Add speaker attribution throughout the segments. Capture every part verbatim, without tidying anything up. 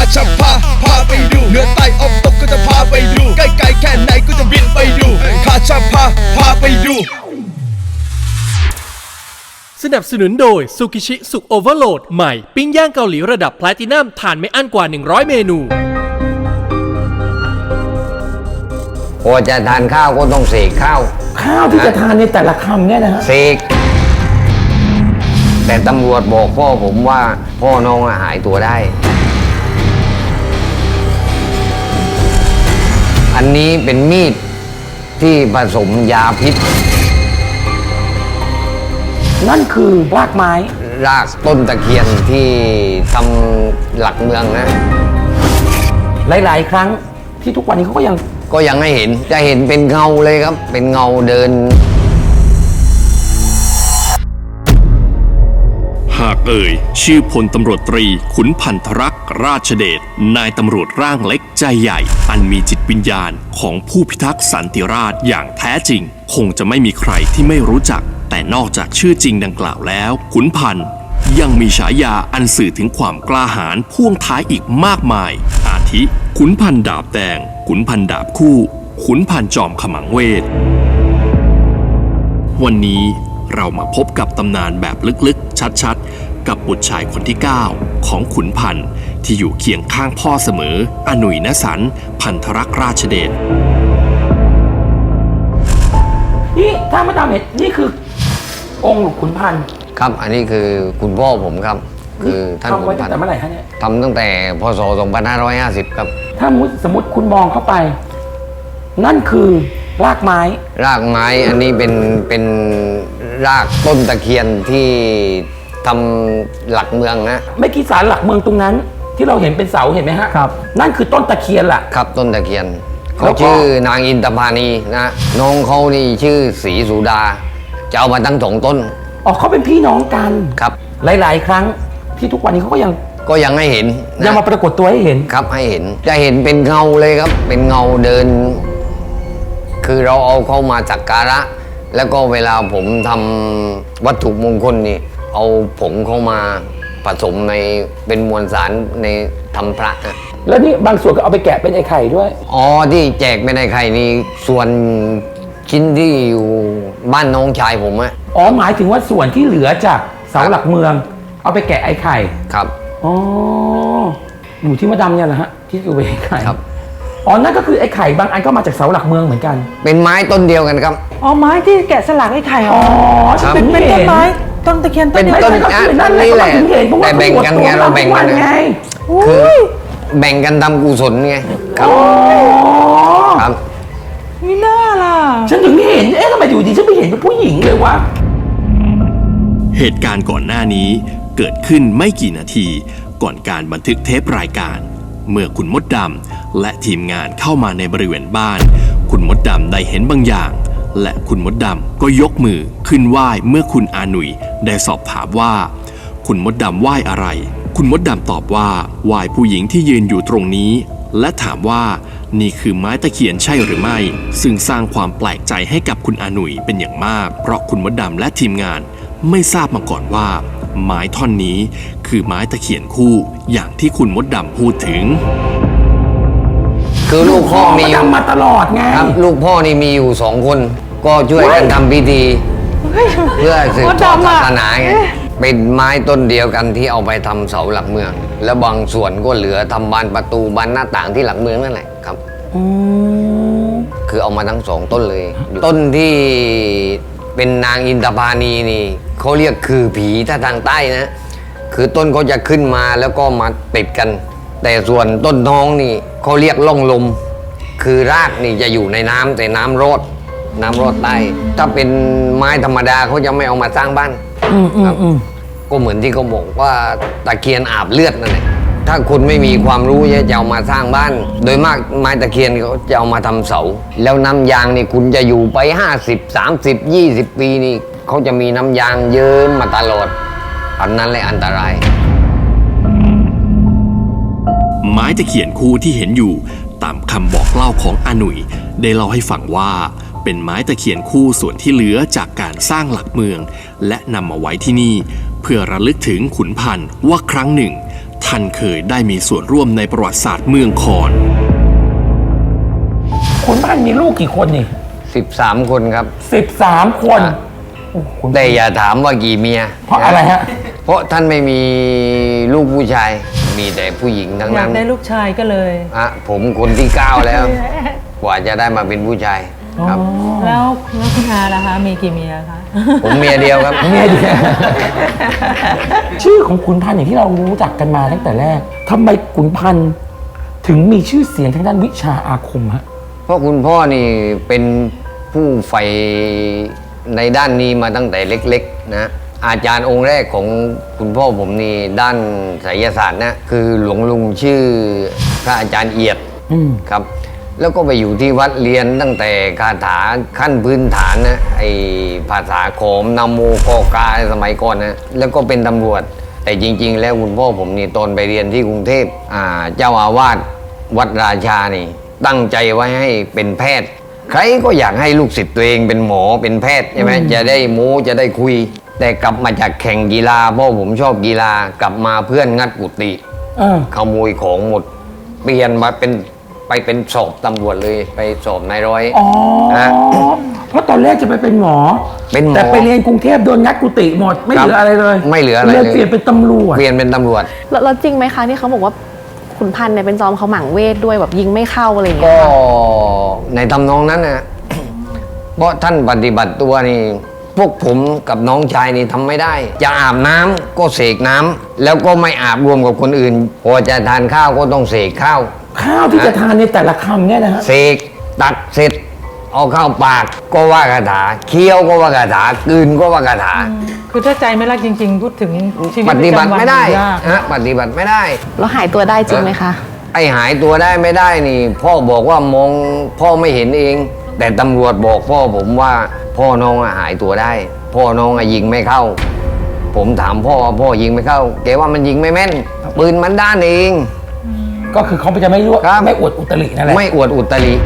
Speaker 1: จะพาพาไปดูเหนือใต้ออกตกก็จะพาไปดูใกล้ไกลแค่ไหนก็จะบินไปดูข้าจะพาพาไปดู
Speaker 2: สนับสนุนโดยซูกิชิสุกโอเวอร์โหลดใหม่ปิ้งย่างเกาหลีระดับแพลตินัมทานไม่อั้นกว่าหนึ่งร้อยเมนู
Speaker 3: พอจะทานข้าวก็ต้องเสกข้าว
Speaker 4: ข้าวที่จะทานในแต่ละคำเนี่ยนะฮะ
Speaker 3: เสกแต่ตำรวจบอกพ่อผมว่าพ่อน้องหายตัวได้อันนี้เป็นมีดที่ผสมยาพิษ
Speaker 4: นั่นคือรากไม้
Speaker 3: รากต้นตะเคียนที่ทำหลักเมืองนะ
Speaker 4: หลายๆครั้งที่ทุกวันนี้เขาก็ยัง
Speaker 3: ก็ยังให้เห็นจะเห็นเป็นเงาเลยครับเป็นเงาเดิน
Speaker 5: หากเอ่ยชื่อพลตำรวจตรีขุนพันธรักษ์ราชเดชนายตำรวจร่างเล็กใจใหญ่อันมีจิตวิญญาณของผู้พิทักษ์สันติราษฎร์อย่างแท้จริงคงจะไม่มีใครที่ไม่รู้จักแต่นอกจากชื่อจริงดังกล่าวแล้วขุนพันธ์ยังมีฉายาอันสื่อถึงความกล้าหาญพ่วงท้ายอีกมากมายอาทิขุนพันธ์ดาบแดงขุนพันธ์ดาบคู่ขุนพันธ์จอมขมังเวทวันนี้เรามาพบกับตำนานแบบลึกๆชัดๆกับบุตรชายคนที่เก้าของขุนพันธ์ที่อยู่เคียงข้างพ่อเสมออหนุ่ยณสันพันธรักษ์ราชเดช
Speaker 4: นี่ถ้ามาตามเห็นนี่คือองค์หลวงขุนพันธ์
Speaker 3: ครับอันนี้คือคุณพ่อผมครับคือท่านขุนพันธ์
Speaker 4: ทำไว้ตั้งแต่เมื่อไหร่ฮะเนี่ย
Speaker 3: ทำตั้งแต่พศสองพันห้าร้อยห้าสิบครับ
Speaker 4: ถ้าสมมติคุณมองเข้าไปนั่นคือรากไม้
Speaker 3: รากไม้อันนี้เป็นเป็นรากต้นตะเคียนที่ทำหลักเมืองนะ
Speaker 4: ไม่กี่ศาลหลักเมืองตรงนั้นที่เราเห็นเป็นเสาเห็นไหมฮะครับนั่นคือต้นตะเคียนล่ะ
Speaker 3: ครับต้นตะเคียนเขาชื่อนางอินทพานีนะน้องเขานี่ชื่อศรีสุดาจะเอามาตั้งสองต้น
Speaker 4: อ๋อเขาเป็นพี่น้องกัน
Speaker 3: ครับ
Speaker 4: หลายๆครั้งที่ทุกวันนี้เขาก็ยัง
Speaker 3: ก็ยังให้เห็น
Speaker 4: ยังมาปรากฏตัวให้เห็น
Speaker 3: ครับให้เห็นจะเห็นเป็นเงาเลยครับเป็นเงาเดินคือเราเอาเข้ามาสักการะแล้วก็เวลาผมทำวัตถุมงคลนี่เอาผงเข้ามาผสมในเป็นมวลสารในทำพระนะ
Speaker 4: แล้วนี่บางส่วนก็เอาไปแกะเป็นไอ้ไข่ด้วย
Speaker 3: อ๋อที่แจกเป็นไอ้ไข่นี่ส่วนชิ้นที่อยู่บ้านน้องชายผมอะ
Speaker 4: อ๋อหมายถึงว่าส่วนที่เหลือจากเสาหลักเมืองเอาไปแกะไอ้ไข่
Speaker 3: ครับ
Speaker 4: อ๋ออยู่ที่มะดำเนี่ยแหละฮะที่อยู่ไอ้ไข่ครับอ๋อนั่นก็คือไอ้ไข่บางอันก็มาจากเสาหลักเมืองเหมือนกัน
Speaker 3: เป็นไม้ต้นเดียวกันครับ
Speaker 6: อ๋อไม้ที่แกะสลักไอ้ไข่อ๋อเป็นเป็นต้นไม้ต้นตะเคียนต้น
Speaker 3: เดียวกันนั่นนี่แหละแต่แบ่งกันไงเราแบ่งกันไงคือแบ่งกันทำกุศลไงครับ
Speaker 6: ครับไม่น่าล่ะ
Speaker 4: ฉันถึงเห็นเอ๊ะทำไมอยู่ดีฉันไม่เห็นเป็นผู้หญิงเลยวะ
Speaker 5: เหตุการณ์ก่อนหน้านี้เกิดขึ้นไม่กี่นาทีก่อนการบันทึกเทปรายการเมื่อคุณมดดำและทีมงานเข้ามาในบริเวณบ้านคุณมดดำได้เห็นบางอย่างและคุณมดดำก็ยกมือขึ้นไหว้เมื่อคุณอาหนุ่ยได้สอบถามว่าคุณมดดำไหว้อะไรคุณมดดำตอบว่าไหว้ผู้หญิงที่ยืนอยู่ตรงนี้และถามว่านี่คือไม้ตะเคียนใช่หรือไม่ซึ่งสร้างความแปลกใจให้กับคุณอาหนุ่ยเป็นอย่างมากเพราะคุณมดดำและทีมงานไม่ทราบมาก่อนว่าไม้ท่อนนี้คือไม้ตะเคียนคู่อย่างที่คุณมดดำพูดถึง
Speaker 3: คือลูกพ่อมี
Speaker 4: ทำมาตลอดไง
Speaker 3: ครับลูกพ่อนี่มีอยู่สองคนก็ช่วยกันทำพิธีเพื่อสืบทอดศาสนาไงเป็นไม้ต้นเดียวกันที่เอาไปทำเสาหลักเมืองแล้วบางส่วนก็เหลือทำบานประตูบานหน้าต่างที่หลักเมืองนั่นแหละครับคือเอามาทั้งสองต้นเลยต้นที่เป็นนางอินทพานีนี่เขาเรียกคือผีถ้าทางใต้นะคือต้นเขาจะขึ้นมาแล้วก็มาติดกันแต่ส่วนต้นท้องนี่เขาเรียกล่องลมคือรากนี่จะอยู่ในน้ำแต่น้ำรอดน้ำรอดใต้ถ้าเป็นไม้ธรรมดาเขาจะไม่เอามาสร้างบ้านครับก็เหมือนที่เขาบอกว่าตะเคียนอาบเลือดนั่นแหละถ้าคุณไม่มีความรู้จะเอามาสร้างบ้านโดยมากไม้ตะเคียนเขาจะเอามาทำเสาแล้วน้ำยางนี่คุณจะอยู่ไปห้าสิบ สามสิบ ยี่สิบปีนี่เขาจะมีน้ำยางเยิ้มมาตลอดอันนั้นเลยอันตราย
Speaker 5: ไม้ตะเคียนคู่ที่เห็นอยู่ตามคำบอกเล่าของอาหนุ่ยได้เล่าให้ฟังว่าเป็นไม้ตะเคียนคู่ส่วนที่เหลือจากการสร้างหลักเมืองและนำมาไว้ที่นี่เพื่อระลึกถึงขุนพันธ์ว่าครั้งหนึ่งท่านเคยได้มีส่วนร่วมในประวัติศาสตร์เมืองคอน
Speaker 4: ขุนพันธุ์มีลูกกี่คนนี่
Speaker 3: สิบสามคนครับ
Speaker 4: สิบสามคน
Speaker 3: อ่ะ
Speaker 4: โอ้ขุน
Speaker 3: แต่อย่าถามว่ากี่เมีย
Speaker 4: เพราะอะไรฮะ
Speaker 3: เพราะท่านไม่มีลูกผู้ชาย มีแต่ผู้หญิงทั้ง
Speaker 6: อยา
Speaker 3: นั้
Speaker 6: ก
Speaker 3: น
Speaker 6: ได้ลูกชายก็เลย
Speaker 3: อ่ะผมคนที่เก้าแล้ว กว่าจะได้มาเป็นผู้ชายครับ
Speaker 6: แล้วแล้วคุณอาล่ะคะ มีกี่เมียคะ
Speaker 3: ผมเมียเดียวครับ
Speaker 4: เมียเดียว ชื่อของขุนพันธุ์อย่างที่เรารู้จักกันมาตั้งแต่แรกทำไมขุนพันธุ์ถึงมีชื่อเสียงทางด้านวิชาอาคมฮะ
Speaker 3: เพราะคุณพ่อนี่เป็นผู้ใฝ่ในด้านนี้มาตั้งแต่เล็กๆนะอาจารย์องค์แรกของคุณพ่อผมนี่ด้านไสยศาสตร์นะคือหลวงลุงชื่อพระอาจารย์เอียด
Speaker 4: อืม
Speaker 3: ครับ แล้วก็ไปอยู่ที่วัดเรียนตั้งแต่คาถาขั้นพื้นฐานนะไอภาษาโขมนาโมกอกาสมัยก่อนนะแล้วก็เป็นตำรวจ แต่จริง ๆ แล้วคุณพ่อผมนี่ตอนไปเรียนที่กรุงเทพอ่าเจ้าอาวาสวัดราชานี่ตั้งใจไว้ให้เป็นแพทย์ ใครก็อยากให้ลูกศิษย์ตัวเองเป็นหมอเป็นแพทย์ใช่ไหมจะได้โม้จะได้คุย แต่กลับมาจากแข่งกีฬาเพราะผมชอบกีฬากลับมาเพื่อนงัดกุฏิ
Speaker 4: เออ
Speaker 3: ขโมยของหมด เปลี่ยนมาเป็นไปเป็นสอบตำรวจเลยไปสอบนายร้อย
Speaker 4: อ๋อ
Speaker 3: นะ
Speaker 4: เพราะตอนแรกจะไปเป็นหมอ
Speaker 3: เป็นหมอ
Speaker 4: แต่ไปเรียนกรุงเทพโดนงัดกุฏิหมดไม่
Speaker 3: ครับ
Speaker 4: เหลืออะไรเลย
Speaker 3: ไม่เหลืออะไร
Speaker 4: เลย
Speaker 3: เลย
Speaker 4: เปลี่ยนเป็นตำรวจ
Speaker 3: เปลี่ยนเป็นตำรวจ
Speaker 7: แล้วแล้วจริงไหมคะที่เขาบอกว่าขุนพันธุ์เนี่ยเป็นจอมเขาหมั่งเวทด้วยแบบยิงไม่เข้าอะไรอย่างเงี้
Speaker 3: ก็
Speaker 7: ยค่ะ
Speaker 3: ในทำนองนั้นนะ เพราะท่านปฏิบัติตัวนี่ พวกผมกับน้องชายนี่ทำไม่ได้ จะอาบน้ำก็เสกน้ำแล้วก็ไม่อาบรวมกับคนอื่น พอจะทานข้าวก็ต้องเสกข้าว
Speaker 4: ข้าวที่จะทานในแต่ละคำเนี่ยนะฮะ
Speaker 3: เสกตัดเสร็จ เอาเข้าปากก็ว่าคาถาเคี้ยวก็ว่าคาถากลืนก็ว่าคาถา
Speaker 6: คือถ้าใจไม่รักจริง ๆ พูดถึงชีวิต
Speaker 3: ปฏิบัติ
Speaker 6: ประจำวัน
Speaker 3: ไม่ได้
Speaker 6: ยาก
Speaker 3: ฮะปฏิบัติไม่ได้
Speaker 7: แล้วหายตัวได้จริงไหมคะ
Speaker 3: ไอหายตัวได้ไม่ได้นี่ พ่อบอกว่ามองพ่อไม่เห็นเอง แต่ตำรวจบอกพ่อผมว่าพ่อน้องอะหายตัวได้ พ่อน้องอะยิงไม่เข้า ผมถามพ่อว่าพ่อยิงไม่เข้าแกว่ามันยิงไม่แม่นปืนมันด้านเอง
Speaker 4: ก็คือเขาจะไม่รู้
Speaker 3: ครับ
Speaker 4: ไม่อวดอุตรินั่นแหละ
Speaker 3: ไม่อวดอุตริ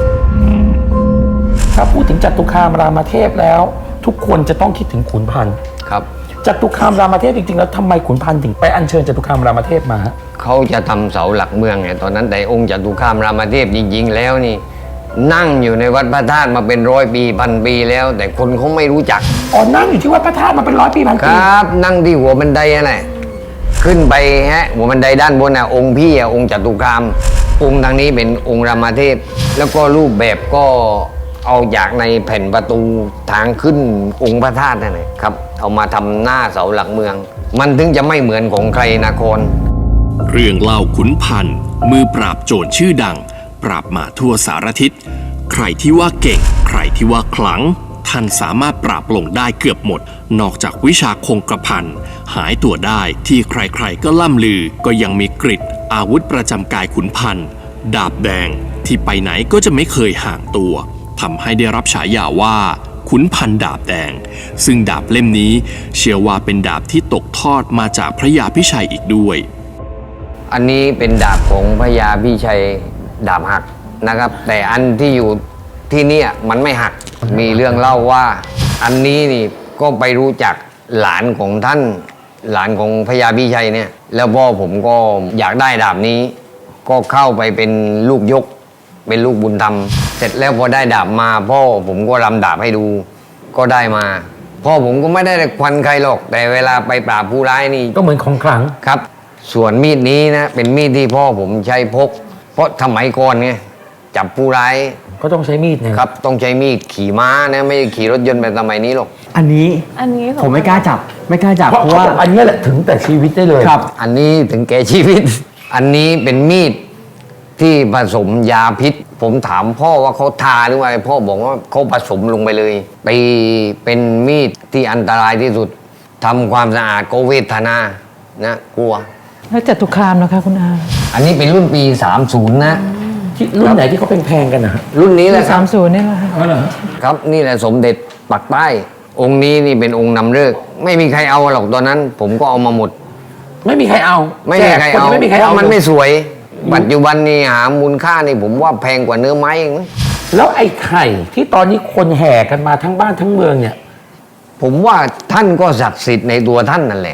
Speaker 4: ถ้าพูดถึงจตุคามรามเทพแล้ว ทุกคนจะต้องคิดถึงขุนพันธุ์
Speaker 3: ครับ
Speaker 4: จตุคามรามเทพจริงๆแล้วทำไมขุนพันธุ์ถึงไปอัญเชิญจตุคามรามเทพมาฮะ
Speaker 3: เขาจะทำเสาหลักเมืองไงตอนนั้นแต่องค์จตุคามรามเทพจริง ๆ แล้วนี่ นั่งอยู่ในวัดพระธาตุมาเป็นร้อยปีพันปีแล้ว แต่คนเขาไม่รู้จัก
Speaker 4: อ๋อนั่งอยู่ที่วัดพระธาตุมาเป็นร้อยปีพัน
Speaker 3: ค
Speaker 4: ปี
Speaker 3: รับ นั่งที่หัวบันไดอะไรขึ้นไปฮะหัวบันไดด้านบนน่ะองค์พี่อ่ะองค์จตุคาม องค์ทางนี้เป็นองค์รามเทพ แล้วก็รูปแบบก็เอาจากในแผ่นประตูทางขึ้นองค์พระธาตุนั่นแหละครับ เอามาทำหน้าเสาหลักเมือง มันถึงจะไม่เหมือนของใครนคร
Speaker 5: เรื่องเล่าขุนพันธ์มือปราบโจรชื่อดัง ปราบมาทั่วสารทิศใครที่ว่าเก่ง ใครที่ว่าขลัง ท่านสามารถปราบลงได้เกือบหมด นอกจากวิชาคงกระพันหายตัวได้ที่ใครๆก็ล่ำลือ ก็ยังมีกฤษอาวุธประจำกายขุนพันธ์ดาบแดงที่ไปไหนก็จะไม่เคยห่างตัวทำให้ได้รับฉายาว่าขุนพันธ์ดาบแดง ซึ่งดาบเล่มนี้เชื่อว่าเป็นดาบที่ตกทอดมาจากพระยาพิชัยอีกด้วย
Speaker 3: อันนี้เป็นดาบของพระยาพิชัยดาบหักนะครับ แต่อันที่อยู่ที่เนี่ยมันไม่หักมีเรื่องเล่าว่า อันนี้นี่ก็ไปรู้จักหลานของท่าน หลานของพระยาพิชัยเนี่ย แล้วพ่อผมก็อยากได้ดาบนี้ ก็เข้าไปเป็นลูกยก เป็นลูกบุญธรรม เสร็จแล้วพอได้ดาบมาพ่อผมก็รำดาบให้ดู ก็ได้มา พ่อผมก็ไม่ได้ควันใครหรอก แต่เวลาไปปราบผู้ร้ายนี่
Speaker 4: ก็เหมือนของขลัง
Speaker 3: ครับ ส่วนมีดนี้นะเป็นมีดที่พ่อผมใช้พก เพราะสมัยก่อนไงจับผู้ร้าย
Speaker 4: ก็ต้องใช้มีดเนี่ย
Speaker 3: ครับต้องใช้มีดขี่ม้านะไม่ได้ขี่รถยนต์แบบสมัยนี้หรอก
Speaker 8: อันนี้
Speaker 7: อันนี้
Speaker 8: ผมไม่กล้าจับ ไม่กล้าจับ
Speaker 4: เพราะ
Speaker 8: เพราะ
Speaker 4: เขา
Speaker 8: ว่า
Speaker 4: บอกอันเนี้ยแหละถึงแต่ชีวิตได้เลย
Speaker 8: ครับ
Speaker 3: อันนี้ถึงแก่ชีวิต อันนี้เป็นมีดที่ผสมยาพิษ ผมถามพ่อว่าเขาทาหรือว่าอะไรพ่อบอกว่าเขาผสมลงไปเลยไปเป็นมีดที่อันตรายที่สุดทำความสะอาดก็เวทนานะกลัว
Speaker 6: แล้วจตุคามนะคะคุณอา
Speaker 3: อันนี้เป็นรุ่นปีสามสิบนะ
Speaker 4: ที่รุ่นไหนที่เขาแพงๆกันนะฮะ
Speaker 3: รุ่นนี้แหละค
Speaker 6: สา
Speaker 3: รับ
Speaker 6: มศูนย์นี่แหละค่ะ
Speaker 4: อ๋อเหรอ
Speaker 3: ครับนี่แหละสมเด็จปักใต้องค์นี้นี่เป็นองค์นำฤกษ์ไม่มีใครเอาหรอกตอนนั้น ผมก็เอามาหมด
Speaker 4: ไม่มีใครเอา
Speaker 3: ไม่มีใคร
Speaker 4: แจกน
Speaker 3: เอา
Speaker 4: ไม่มีใคร
Speaker 3: เพ
Speaker 4: เอา
Speaker 3: ราะมันไม่
Speaker 4: เลย
Speaker 3: สวย ปัจจุบันนี่หามูลค่านี่ผมว่าแพงกว่าเนื้อไม้เองนะ
Speaker 4: แล้วไอ้ไข่ที่ตอนนี้คนแห่กันมาทั้งบ้านทั้งเมืองเนี่ย
Speaker 3: ผมว่าท่านก็ศักดิ์สิทธิ์ในตัวท่านนั่นแหละ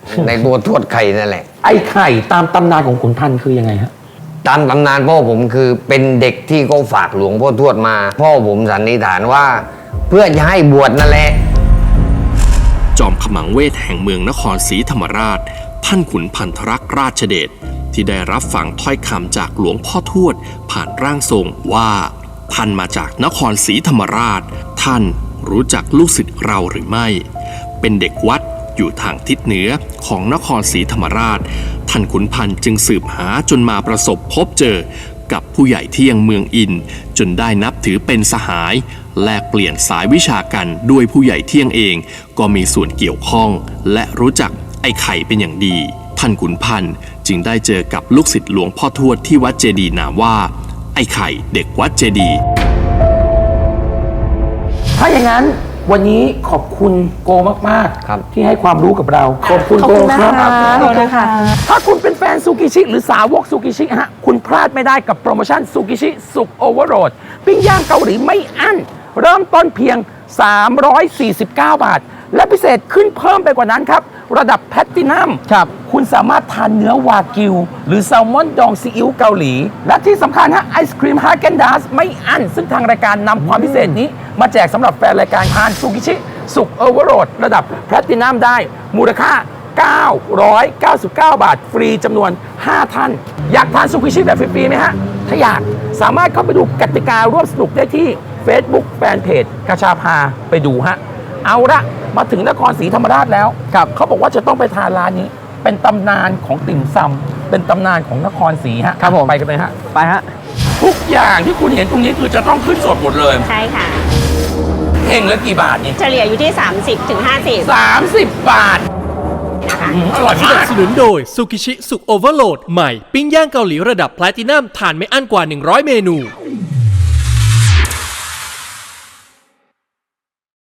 Speaker 3: ในตัวทวดไข่นั่นแหละ
Speaker 4: ไอ้ไข่ตามตำนานของขุนพันธ์คือยังไงฮะ
Speaker 3: ตามตำนานพ่อผมคือเป็นเด็กที่เขาฝากหลวงพ่อทวดมา พ่อผมสันนิษฐานว่า เพื่อจะให้บวชนั่นแหละ
Speaker 5: จอมขมังเวทแห่งเมืองนครศรีธรรมราช ท่านขุนพันธรักษ์ราชเดชที่ได้รับฟังถ้อยคำจากหลวงพ่อทวด ผ่านร่างทรงว่าท่านมาจากนครศรีธรรมราช ท่านรู้จักลูกศิษย์เราหรือไม่ เป็นเด็กวัดอยู่ทางทิศเหนือของนครศรีธรรมราช ท่านขุนพันธ์จึงสืบหาจนมาประสบพบเจอกับผู้ใหญ่ที่ยังเมืองอิน จนได้นับถือเป็นสหายแลกเปลี่ยนสายวิชากันด้วยผู้ใหญ่เที่ยงเองก็มีส่วนเกี่ยวข้อง และรู้จักไอ้ไข่เป็นอย่างดีท่านขุนพันธ์จึงได้เจอกับลูกศิษย์หลวงพ่อทวดที่วัดเจดีย์นามว่าไอ้ไข่เด็กวัดเจดีย์
Speaker 4: ถ้าอย่างนั้นวันนี้ขอบคุณโกมาก
Speaker 3: ครับ
Speaker 4: ๆที่ให้ความรู้กับเราขอบคุณ
Speaker 7: ขอบ
Speaker 4: โก
Speaker 7: คุณ
Speaker 4: ค
Speaker 7: นะ
Speaker 4: รับ
Speaker 7: คะขอบคุณค่ะ
Speaker 4: ถ้าคุณเป็นแฟนซูกิชิหรือสาวกซูกิชิฮะคุณพลาดไม่ได้กับโปรโมชั่นซูกิชิสุกโอเวอร์โหลดปิ้งย่างเกาหลีไม่อั้นเริ่มต้นเพียง สามร้อยสี่สิบเก้า บาท และพิเศษขึ้นเพิ่มไปกว่านั้นครับ ระดับแพลตตินัมครับคุณสามารถทานเนื้อวากิว หรือแซลมอนดองซีอิ๊วเกาหลี และที่สำคัญฮะไอศครีมฮาเกนดาสไม่อั้นซึ่งทางรายการนำความพิเศษนี้ มาแจกสำหรับแฟนรายการทานซูกิชิสุกโอเวอร์โหลดระดับแพลตตินัมได้มูลค่า เก้าร้อยเก้าสิบเก้า บาท ฟรีจำนวน ห้า ท่าน อยากทานซูกิชิแบบฟรีๆไหมฮะ ถ้าอยากสามารถเข้าไปดูกติการ่วมสนุกได้ที่ Facebook แฟนเพจกระชาพาไปดูฮะ เอาละมาถึงนครศรีธรรมราชแล้วครับเขาบอกว่าจะต้องไปทานร้านนี้ เป็นตำนานของติ่มซำเป็นตำนานของนครศรีฮะครับผมไปกันเลยฮะ
Speaker 6: ไปฮะ
Speaker 4: ทุกอย่างที่คุณเห็นตรงนี้คือจะต้องขึ้นสดหมดเลย
Speaker 8: ใช่ค่ะ
Speaker 4: เองละกี่บาทนี่
Speaker 8: เฉลี่ยอยู่ที่ สามสิบถึงห้าสิบ
Speaker 4: สามสิบบาทอืมอร่อย
Speaker 2: ส
Speaker 4: มา
Speaker 2: นับ
Speaker 4: ก
Speaker 2: สนุนโดยซูกิชิสุกโอเวอร์โหลดใหม่ปิ้งย่างเกาหลีระดับแพลตินัมทานไม่อั้นกว่าหนึ่งร้อยเมนู